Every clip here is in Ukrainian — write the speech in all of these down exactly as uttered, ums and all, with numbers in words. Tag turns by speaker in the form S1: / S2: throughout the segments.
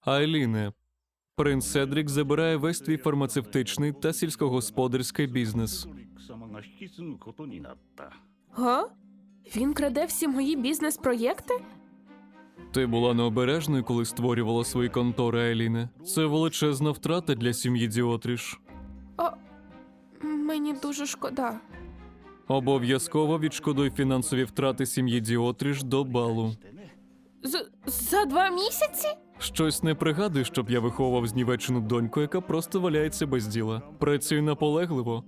S1: Айліне, принц Седрік забирає весь твій фармацевтичний та сільськогосподарський бізнес.
S2: 様が引き継ぐことになった。
S3: Га? Він краде всі мої бізнес-проєкти?
S1: Ти була необережною, коли створювала свої контори, Айліне. Це величезна втрата для сім'ї Діотріш.
S3: О, мені дуже шкода.
S1: Обов'язково відшкодуй фінансові втрати сім'ї Діотріш до балу.
S3: З за два місяці?
S1: Щось не пригадую, щоб я виховував знівечену доньку, яка просто валяється без діла. Працюй наполегливо.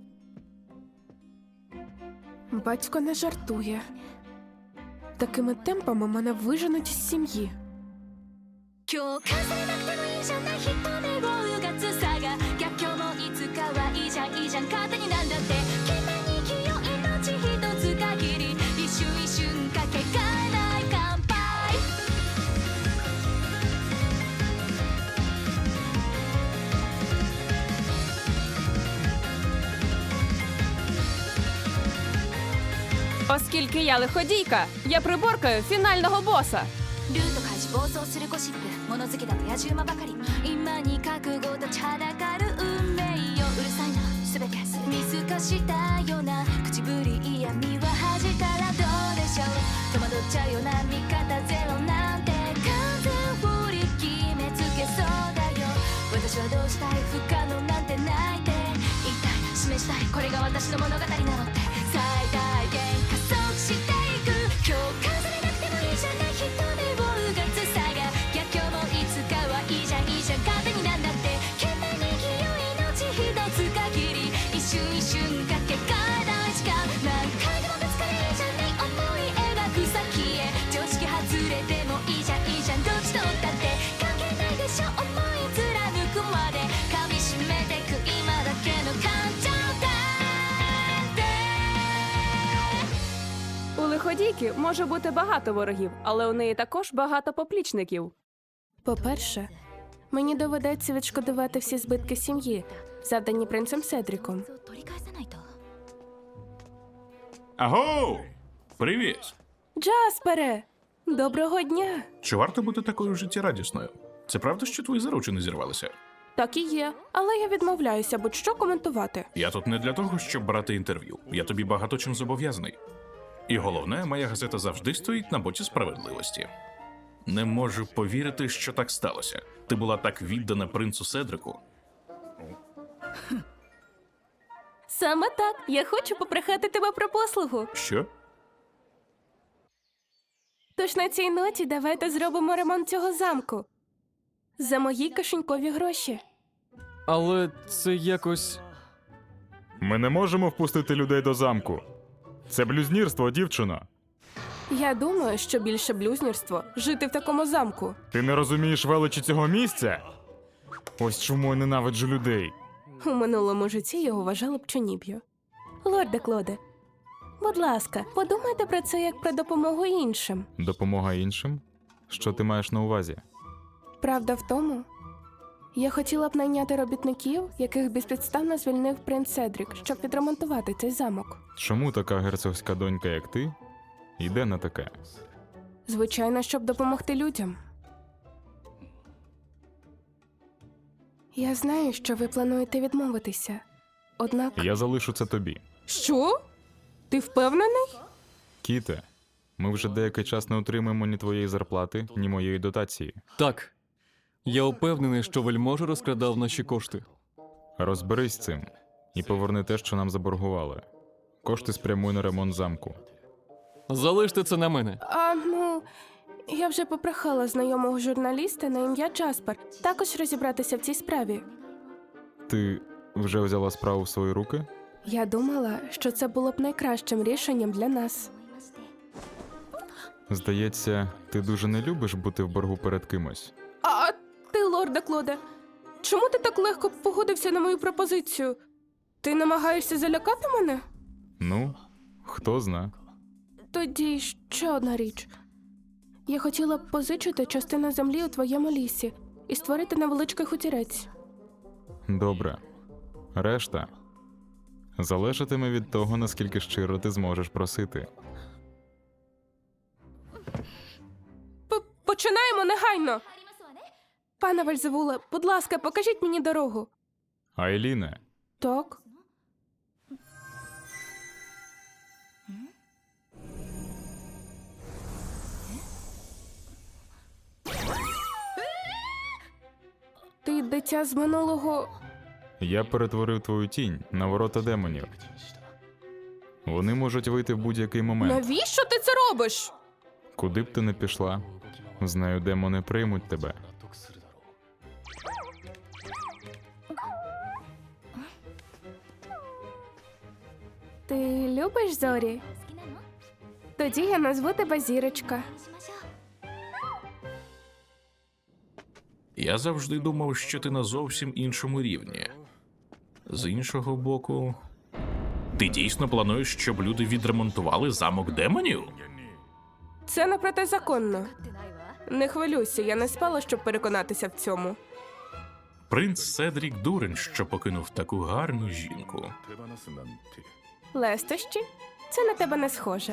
S3: Батько не жартує. Такими темпами мене виженуть з сім'ї.
S4: 共感されなくてもいいじゃない人目をうがつさが逆境もいつかはいいじゃんいいじゃん勝手になんだって懸命に生きよう命一つ限り一瞬一瞬かけがえない乾杯
S5: Оскільки я лиходійка, я приборкаю фінального боса.
S4: ルート開示暴走するゴシップ物好きだと野獣馬ばかり今に覚悟立ちはだかる運命ようるさいな全て見透かしたような口ぶり嫌味は恥じたらどうでしょう戸惑っちゃうような味方ゼロなんて完全振り決めつけそうだよ私はどうしたい不可能なんてないって言いたい示したいこれが私の物語なのって最大限加速していく共感されなくてもいいじゃない人目をうがつさが逆境もいつかはいいじゃんいいじゃん勝手になんだって懸命に生きよう命一つ限り一瞬一瞬かけがえない時間何回でもぶつかれいいじゃない思い描く先へ常識外れてもいいじゃんいいじゃんどっちとったって関係ないでしょ思い貫くまで噛みしめてく今だけの感情だ
S5: У лиходійки може бути багато ворогів, але у неї також багато поплічників.
S3: По-перше, мені доведеться відшкодувати всі збитки сім'ї, завдані принцем Седріком.
S4: 取り返さないと
S6: Аго! Привіт!
S3: Джаспере! Доброго дня!
S6: Чи варто бути такою життєрадісною? Це правда, що твої заручини зірвалися?
S3: Так і є, але я відмовляюся будь-що коментувати.
S6: Я тут не для того, щоб брати інтерв'ю. Я тобі багато чим зобов'язаний. І головне, моя газета завжди стоїть на боці справедливості. Не можу повірити, що так сталося. Ти була так віддана принцу Седрику.
S3: Саме так. Я хочу попрохати тебе про послугу.
S6: Що?
S3: Тож на цій ноті давайте зробимо ремонт цього замку. За мої кишенькові гроші.
S1: Але це якось...
S7: Ми не можемо впустити людей до замку. Це блюзнірство, дівчино.
S3: Я думаю, що більше блюзнірство жити в такому замку.
S7: Ти не розумієш величі цього місця? Ось чому я ненавиджу людей.
S3: У минулому житті його вважали пчоніб'ю. Лорде Клоде, будь ласка, подумайте про це як про допомогу іншим.
S7: Допомога іншим? Що ти маєш на увазі?
S3: Правда в тому, я хотіла б найняти робітників, яких безпідставно звільнив принц Седрік, щоб відремонтувати цей замок.
S7: Чому така герцогська донька, як ти, йде на таке?
S3: Звичайно, щоб допомогти людям. Я знаю, що ви плануєте відмовитися. Однак...
S7: Я залишу це тобі.
S3: Що? Ти впевнений?
S7: Кіте, ми вже деякий час не отримуємо ні твоєї зарплати, ні моєї дотації.
S1: Так. Я впевнений, що вельможа розкрадав наші кошти.
S7: Розберись з цим і поверни те, що нам заборгували. Кошти спрямуй на ремонт замку.
S1: Залиште це на мене.
S3: А, ну, я вже попрохала знайомого журналіста на ім'я Джаспер також розібратися в цій справі.
S7: Ти вже взяла справу в свої руки?
S3: Я думала, що це було б найкращим рішенням для нас.
S7: Здається, ти дуже не любиш бути в боргу перед кимось.
S3: А ти, лорде Клоде, чому ти так легко погодився на мою пропозицію? Ти намагаєшся залякати мене?
S7: Ну, хто зна.
S3: Тоді ще одна річ. Я хотіла б позичити частину землі у твоєму лісі і створити невеличкий хутірець.
S7: Добре. Решта залежатиме від того, наскільки щиро ти зможеш просити.
S3: П- Починаємо негайно! Пане Вельзевуле, будь ласка, покажіть мені дорогу.
S7: Айліне,
S3: Так. Ти дитя з минулого.
S7: я перетворив твою тінь на ворота демонів. Вони можуть вийти в будь-який момент.
S3: Навіщо ти це робиш?
S7: Куди б ти не пішла, знаю, демони приймуть тебе.
S3: Ти любиш зорі? Тоді я назву тебе Зірочка.
S6: Я завжди думав, що ти на зовсім іншому рівні. З іншого боку, ти дійсно плануєш, щоб люди відремонтували замок демонів?
S3: Це не протизаконно. Не хвилюйся, я не спала, щоб переконатися в цьому.
S6: Принц Седрік дурень, що покинув таку гарну жінку.
S3: Лестощі? Це на тебе не схоже.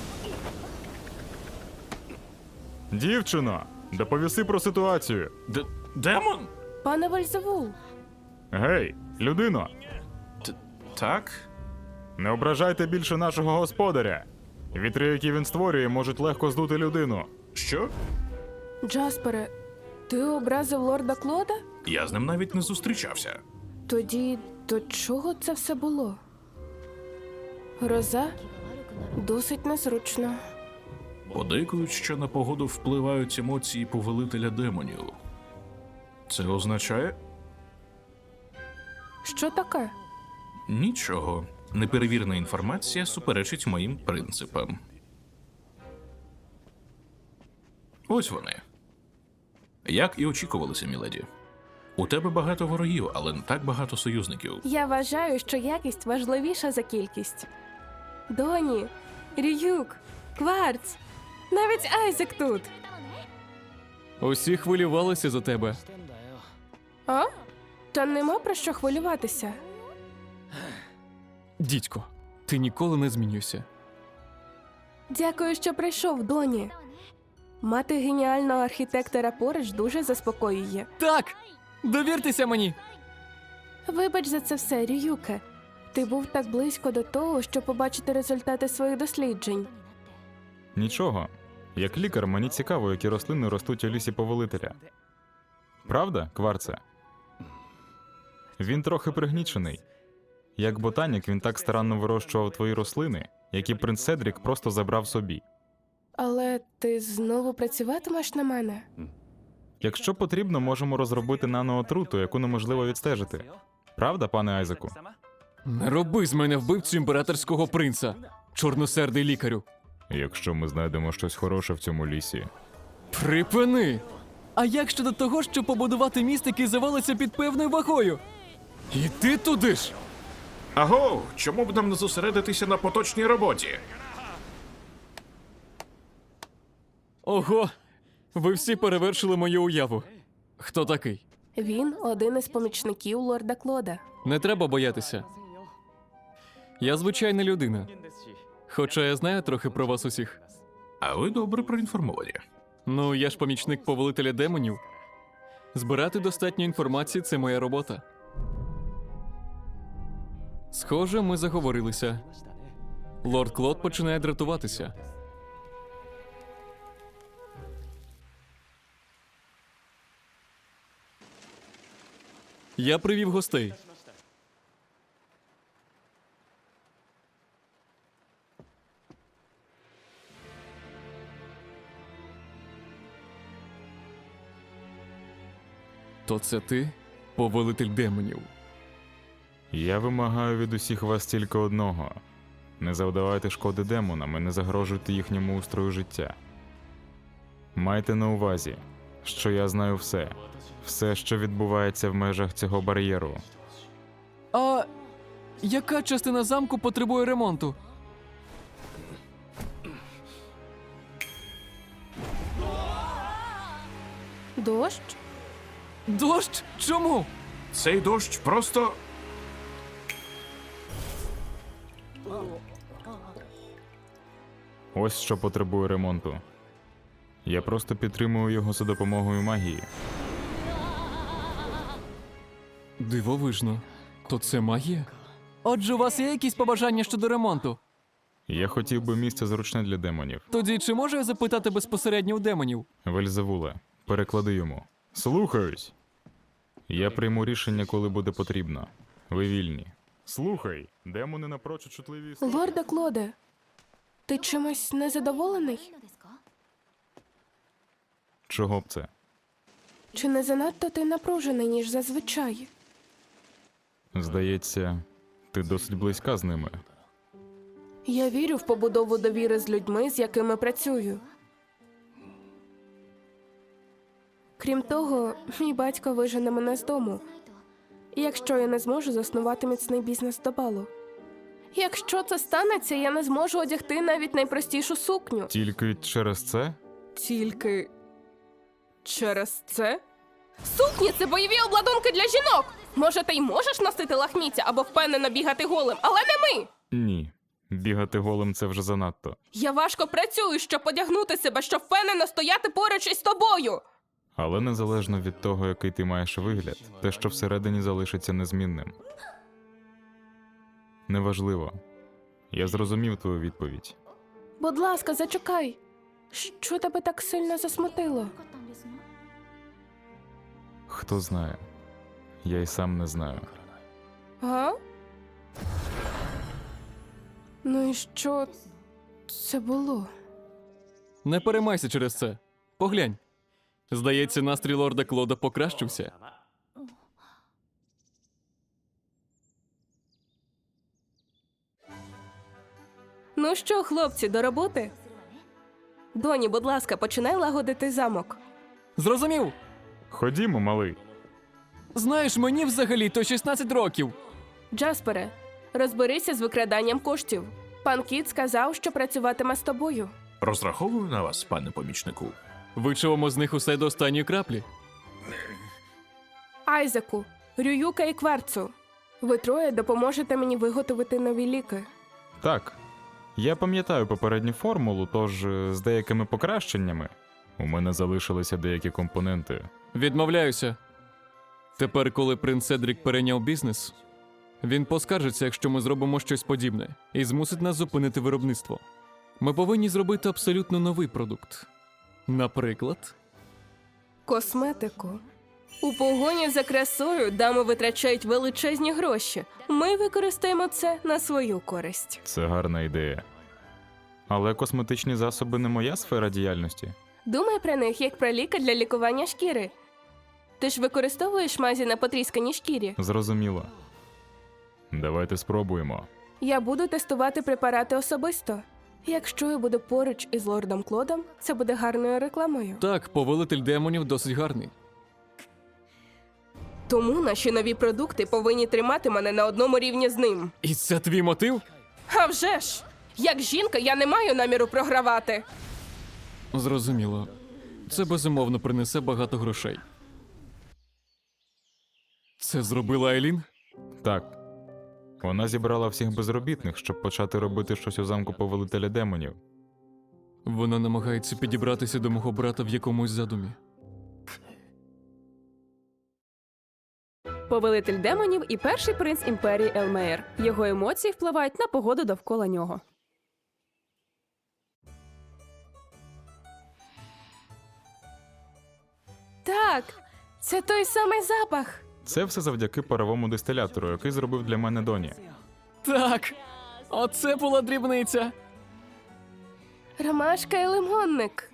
S7: Дівчино, доповіси про ситуацію.
S6: Д- демон?
S3: Пане Вельзевул,
S7: Гей, людино,
S6: Т- так?
S7: не ображайте більше нашого господаря. Вітри, які він створює, можуть легко здути людину.
S6: Що?
S3: Джаспере, ти образив лорда Клода?
S6: Я з ним навіть не зустрічався.
S3: Тоді до чого це все було? Гроза? Досить незручно.
S6: Подейкують, що на погоду впливають емоції повелителя демонів. Це означає
S3: Що таке?
S6: нічого. Неперевірена інформація суперечить моїм принципам. Ось вони. Як і очікувалося, міледі. У тебе багато ворогів, але не так багато союзників.
S3: Я вважаю, що якість важливіша за кількість. Доні, Рююк, Кварц, навіть Айзек тут.
S1: Усі хвилювалися за тебе.
S3: А? Та нема про що хвилюватися.
S1: Дідько, ти ніколи не змінюйся.
S3: Дякую, що прийшов, Доні. Мати геніального архітектора поруч дуже заспокоює.
S1: Так! Довіртеся мені!
S3: Вибач за це все, Рююке. Ти був так близько до того, щоб побачити результати своїх досліджень.
S7: Нічого. Як лікар, мені цікаво, які рослини ростуть у лісі повелителя. Правда, Кварце? Він трохи пригнічений. Як ботанік, він так старанно вирощував твої рослини, які принц Седрік просто забрав собі.
S3: Але ти знову працюватимеш на мене?
S7: Якщо потрібно, можемо розробити наноотруту, яку неможливо відстежити. Правда, пане Айзеку?
S1: Не роби з мене вбивцю імператорського принца, чорносердий лікарю.
S7: Якщо ми знайдемо щось хороше в цьому лісі.
S1: Припини! А як щодо того, щоб побудувати міст, який завалиться під певною вагою? Іди туди ж!
S6: Аго, чому б нам не зосередитися на поточній роботі?
S1: Ого! Ви всі перевершили мою уяву. Хто такий?
S3: Він один із помічників лорда Клода.
S1: Не треба боятися. Я звичайна людина. Хоча я знаю трохи про вас усіх.
S6: А ви добре проінформовані.
S1: Ну, я ж помічник повелителя демонів. Збирати достатньо інформації – це моя робота. Схоже, ми заговорилися. Лорд Клод починає дратуватися. Я привів гостей. То це ти, повелитель демонів?
S7: Я вимагаю від усіх вас тільки одного. Не завдавайте шкоди демонам і не загрожуйте їхньому устрою життя. Майте на увазі, що я знаю все. Все, що відбувається в межах цього бар'єру.
S1: А яка частина замку потребує ремонту?
S3: Дощ?
S1: Дощ? Чому?
S6: Цей дощ просто.
S7: Ось що потребує ремонту. Я просто підтримую його за допомогою магії.
S1: Дивовижно. То це магія? Отже, у вас є якісь побажання щодо ремонту?
S7: Я хотів би місце зручне для демонів.
S1: Тоді чи можу я запитати безпосередньо у демонів?
S7: Вельзевуле, переклади йому. Слухаюсь. Я прийму рішення, коли буде потрібно. Ви вільні. Слухай, демони напрочуд чутливі.
S3: Лорде Клоде, ти чимось незадоволений?
S7: Чого б це?
S3: Чи не занадто ти напружений, ніж зазвичай?
S7: Здається, ти досить близька з ними.
S3: Я вірю в побудову довіри з людьми, з якими працюю. Крім того, мій батько вижене мене з дому, якщо я не зможу заснувати міцний бізнес до балу. Якщо це станеться, я не зможу одягти навіть найпростішу сукню.
S7: Тільки через це?
S3: Тільки через це? Сукні – це бойові обладунки для жінок! Може, ти й можеш носити лахміття або впевнено бігати голим, але не ми!
S7: Ні. Бігати голим це вже занадто.
S3: Я важко працюю, щоб одягнути себе, щоб впевнено стояти поруч із тобою!
S7: Але незалежно від того, який ти маєш вигляд, те, що всередині залишиться незмінним. Неважливо. Я зрозумів твою відповідь.
S3: Будь ласка, зачекай. Що тебе так сильно засмутило?
S7: Хто знає? Я й сам не знаю.
S3: А? Ну і що це було?
S1: Не переймайся через це. Поглянь. Здається, настрій лорда Клода покращився.
S3: Ну що, хлопці, до роботи? Доні, будь ласка, починай лагодити замок.
S1: Зрозумів?
S7: Ходімо, малий.
S1: Знаєш, мені взагалі то шістнадцять років.
S3: Джаспере, розберися з викраданням коштів. Пан Кіт сказав, що працюватиме з тобою.
S6: Розраховую на вас, пане помічнику.
S1: Вичавимо з них усе до останньої краплі.
S3: Айзеку, Рююка і Кварцу. Ви троє допоможете мені виготовити нові ліки.
S7: Так. Я пам'ятаю попередню формулу, тож е, з деякими покращеннями у мене залишилися деякі компоненти.
S1: Відмовляюся. Тепер, коли принц Седрік перейняв бізнес, він поскаржиться, якщо ми зробимо щось подібне, і змусить нас зупинити виробництво. Ми повинні зробити абсолютно новий продукт. Наприклад,
S3: Косметику. У погоні за красою дами витрачають величезні гроші. Ми використаємо це на свою користь.
S7: Це гарна ідея. Але косметичні засоби не моя сфера діяльності.
S3: Думай про них як про ліки для лікування шкіри. Ти ж використовуєш мазі на потрісканій шкірі.
S7: Зрозуміло. Давайте спробуємо.
S3: Я буду тестувати препарати особисто. Якщо я буду поруч із лордом Клодом, це буде гарною рекламою.
S1: так, повелитель демонів досить гарний.
S3: Тому наші нові продукти повинні тримати мене на одному рівні з ним.
S1: І це твій мотив?
S3: А вже ж! Як жінка, я не маю наміру програвати.
S1: Зрозуміло. Це безумовно принесе багато грошей. Це зробила Айлін?
S7: Так. Вона зібрала всіх безробітних, щоб почати робити щось у замку повелителя демонів.
S1: Вона намагається підібратися до мого брата в якомусь задумі.
S5: Повелитель демонів і перший принц імперії Елмеєр. Його емоції впливають на погоду довкола нього.
S3: Так, це той самий запах.
S7: Це все завдяки паровому дистилятору, який зробив для мене Доні.
S1: Так, оце була дрібниця.
S3: Ромашка і лимонник.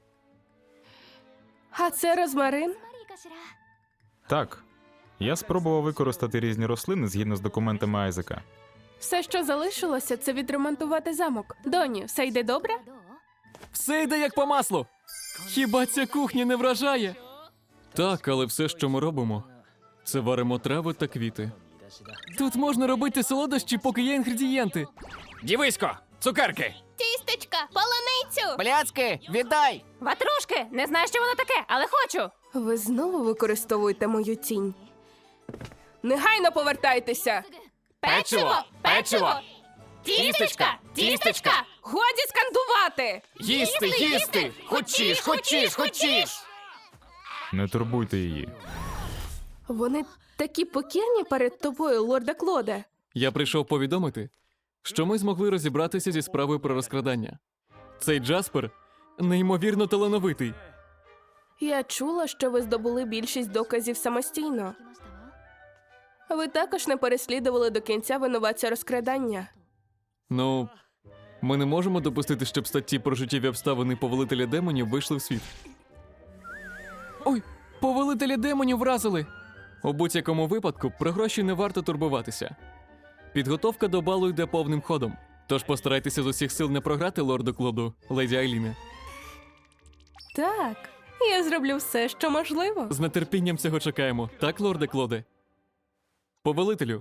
S3: А це розмарин?
S7: Так. Я спробував використати різні рослини згідно з документами Айзека.
S3: Все, що залишилося, це відремонтувати замок. Доні, все йде добре?
S1: Все йде як по маслу. Хіба ця кухня не вражає? Так, але все, що ми робимо, це варимо трави та квіти. Тут можна робити солодощі, поки є інгредієнти.
S8: Дівисько, цукерки,
S4: Тістечка, полуницю!
S8: пляцки, віддай!
S5: Ватрушки! Не знаю, що воно таке, але хочу!
S3: Ви знову використовуєте мою тінь. Негайно повертайтеся!
S8: Печиво, печиво, тістечка, тістечка,
S3: Годі скандувати!
S8: їсти, їсти, хочеш, хочеш, хочеш.
S7: Не турбуйте її.
S3: Вони Такі покірні перед тобою, лорде Клоде.
S1: Я прийшов повідомити, що ми змогли розібратися зі справою про розкрадання. Цей Джаспер неймовірно талановитий.
S3: Я чула, що ви здобули більшість доказів самостійно. Ви також не переслідували до кінця винуватця розкрадання.
S1: Ну, ми не можемо допустити, щоб статті про життєві обставини повелителя демонів вийшли в світ. Ой, повелителя демонів вразили! У будь-якому випадку про гроші не варто турбуватися. Підготовка до балу йде повним ходом. Тож постарайтеся з усіх сил не програти лорду Клоду, леді Айліне.
S3: Так, я зроблю все, що можливо.
S1: З нетерпінням цього чекаємо, так, лорде Клоде? Повелителю,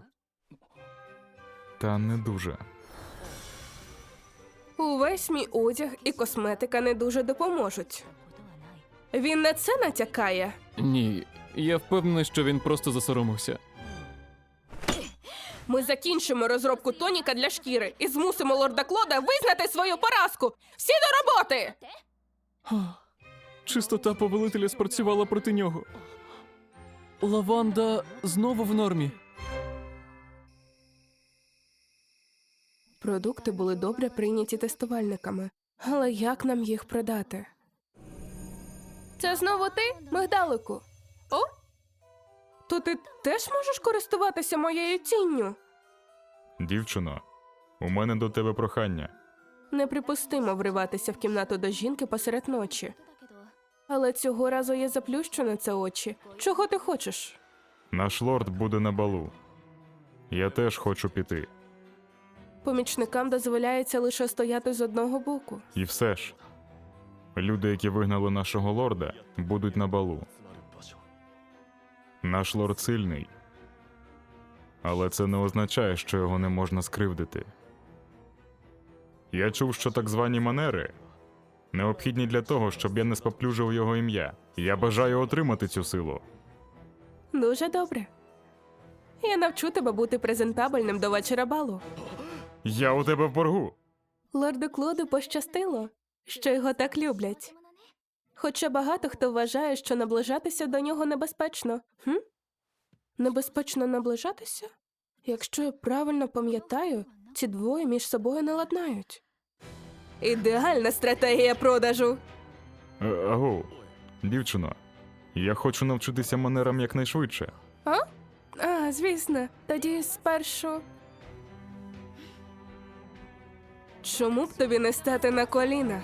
S7: Та не дуже.
S3: Увесь мій одяг і косметика не дуже допоможуть. Він на це натякає.
S1: ні, я впевнений, що він просто засоромився.
S3: Ми закінчимо розробку тоніка для шкіри і змусимо лорда Клода визнати свою поразку. Всі до роботи!
S1: Чистота повелителя спрацювала проти нього. Лаванда знову в нормі.
S3: Продукти були добре прийняті тестувальниками. Але як нам їх продати? Це знову ти, мигдалику? О? То ти теж можеш користуватися моєю тінню?
S7: Дівчино, у мене до тебе прохання.
S3: Неприпустимо вриватися в кімнату до жінки посеред ночі. Але цього разу я заплющу на це очі. Чого ти хочеш?
S7: Наш лорд буде на балу. Я теж хочу піти.
S3: Помічникам дозволяється лише стояти з одного боку.
S7: І все ж. Люди, які вигнали нашого лорда, будуть на балу. Наш лорд сильний. Але це не означає, що його не можна скривдити. Я чув, що так звані манери необхідні для того, щоб я не споплюжив його ім'я. Я бажаю отримати цю силу.
S3: Дуже добре. Я навчу тебе бути презентабельним до вечора балу.
S7: Я у тебе в боргу.
S3: Лорду Клоду пощастило, що його так люблять. Хоча багато хто вважає, що наближатися до нього небезпечно. Хм? Небезпечно наближатися? Якщо я правильно пам'ятаю, ці двоє між собою не ладнають. Ідеальна стратегія продажу.
S7: Е, Аго, дівчино, я хочу навчитися манерам якнайшвидше.
S3: А? А, звісно. Тоді спершу. Чому б тобі не стати на коліна?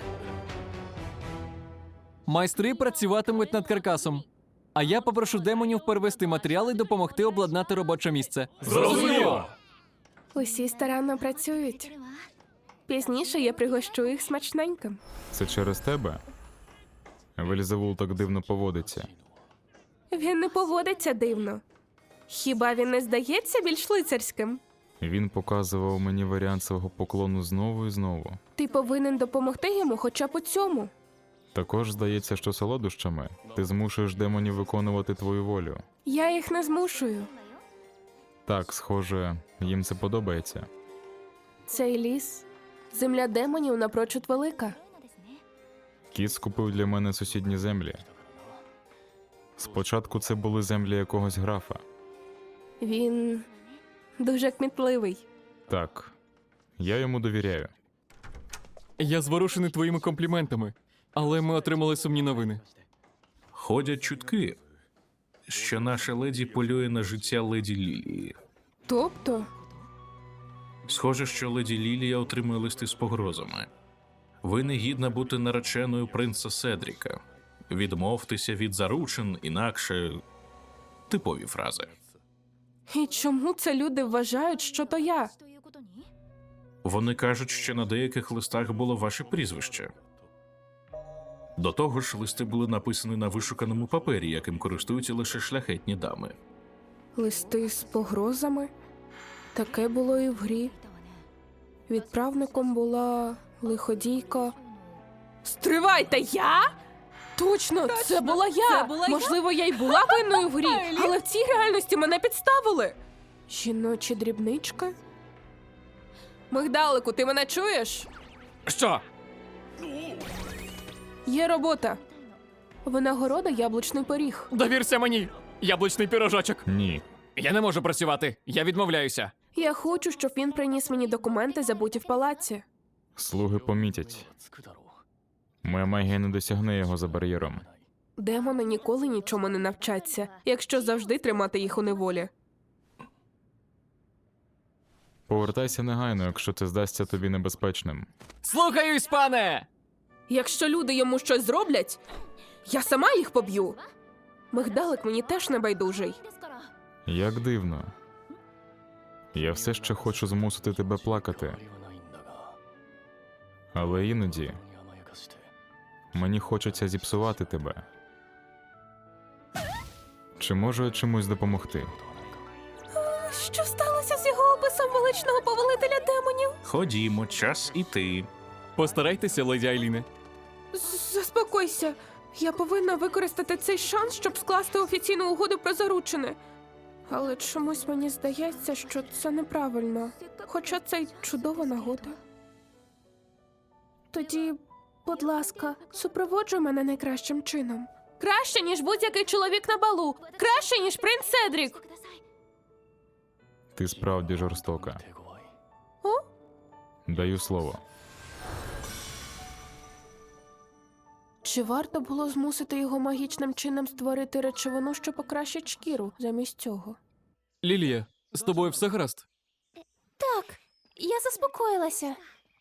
S1: Майстри працюватимуть над каркасом. А я попрошу демонів перевести матеріали і допомогти обладнати робоче місце.
S8: Зрозуміло!
S3: Усі старанно працюють. Пізніше я пригощу їх смачненьким.
S7: Це через тебе? Вельзевул так дивно поводиться.
S3: Він не поводиться дивно. Хіба він не здається більш лицарським?
S7: Він показував мені варіант свого поклону знову і знову.
S3: Ти повинен допомогти йому хоча б у цьому.
S7: Також здається, що солодощами ти змушуєш демонів виконувати твою волю.
S3: Я їх не змушую.
S7: Так, схоже, їм це подобається.
S3: Цей ліс, земля демонів напрочуд велика.
S7: Кіт скупив для мене сусідні землі. Спочатку це були землі якогось графа.
S3: Він дуже кмітливий.
S7: Так, я йому довіряю.
S1: Я зворушений твоїми компліментами, але ми отримали сумні новини.
S6: Ходять чутки, що наша леді полює на життя леді Лілії.
S3: Тобто,
S6: Схоже, що леді Лілія отримує листи з погрозами. Ви не гідна бути нареченою принца Седріка. Відмовтеся від заручин, інакше типові фрази.
S3: і чому це люди вважають, що то я?
S6: Вони кажуть, що на деяких листах було ваше прізвище. До того ж, листи були написані на вишуканому папері, яким користуються лише шляхетні дами.
S3: Листи з погрозами? Таке було і в грі. Відправником була лиходійка. Стривайте, я? Точно, це була я. Можливо, я й була винною в грі, але в цій реальності мене підставили. Жіночі дрібнички? Мигдалику, ти мене чуєш?
S8: Що?
S3: Є робота. Винагорода яблучний пиріг.
S1: Довірся мені! Яблучний пірожочок!
S7: Ні,
S8: Я не можу працювати. Я відмовляюся.
S3: Я хочу, щоб він приніс мені документи, забуті в палаці.
S7: Слуги помітять. Моя магія не досягне його за бар'єром.
S3: Демони ніколи нічому не навчаться, якщо завжди тримати їх у неволі.
S7: Повертайся негайно, якщо це здасться тобі небезпечним.
S8: Слухаюсь, пане!
S3: Якщо люди йому щось зроблять, я сама їх поб'ю. Мигдалик мені теж не байдужий.
S7: Як дивно. Я все ще хочу змусити тебе плакати. Але іноді мені хочеться зіпсувати тебе. Чи можу я чимось допомогти?
S3: Що сталося з його описом величного повелителя демонів?
S6: Ходімо, час іти.
S1: Постарайтеся, леді Айліне.
S3: З- Заспокойся. Я повинна використати цей шанс, щоб скласти офіційну угоду про заручини. Але чомусь мені здається, що це неправильно. Хоча це й чудова нагода. Тоді, будь ласка, супроводжуй мене найкращим чином. Краще, ніж будь-який чоловік на балу. Краще, ніж принц Седрік.
S7: Ти справді жорстока.
S3: О?
S7: Даю слово.
S3: Чи варто було змусити його магічним чином створити речовину, що покращить шкіру замість цього?
S1: Лілія, з тобою все гаразд?
S4: Так, я заспокоїлася.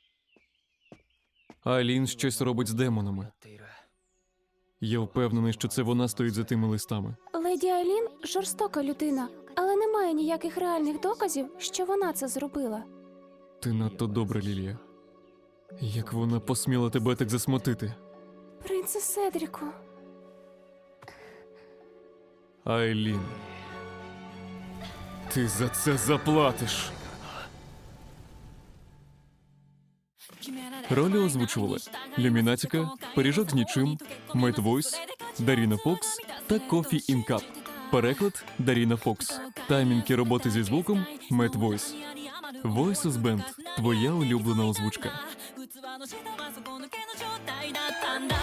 S1: Айлін щось робить з демонами. Я впевнений, що це вона стоїть за тими листами.
S4: Леді Айлін жорстока людина, але немає ніяких реальних доказів, що вона це зробила.
S1: Ти надто добра, Лілія. Як вона посміла тебе так засмутити?
S4: Принце Седріку.
S1: Айлін. Ти за це заплатиш. Ролі озвучували Люмінатіка, Пиріжок з нічим, Мет Войс, Даріна Фокс та Кофі Інкап. Переклад Даріна Фокс. Таймінги роботи зі звуком Мет Войс. Voices Band. Твоя улюблена озвучка.
S9: 器の下は底抜けの状態だったんだ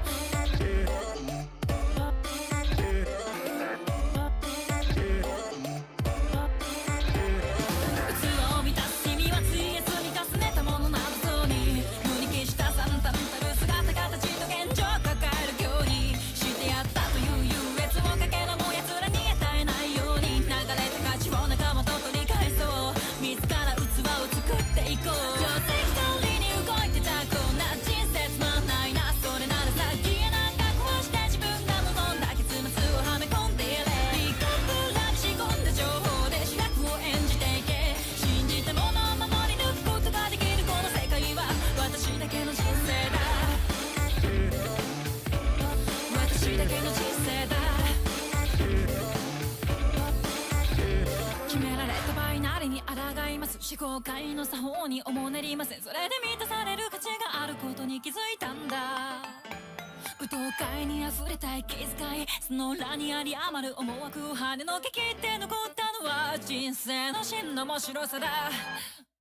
S9: 器を満たす君はついえ積み重ねたものなのに無に消した惨憺たる姿形と現状を抱えるようにしてやったという優越をかけるも奴らに与えないように流れた価値を仲間と取り返そう自ら器を作っていこう定石通りに動いてたこんな人生つまんないなそれならさ消えなんか壊して自分が望んだ結末をはめ込んでやれリカップラに仕込んだ情報で主役を演じていけ信じたものを守り抜くことができるこの世界は私だけの人生だ私だけの人生だ決められたバイナリに抗います思考界の作法におもねりませんそれで満たされる価値があることに気づいたんだ舞踏会に溢れた息遣いその裏にあり余る思惑を跳ねのけ切って残ったのは人生の真の面白さだ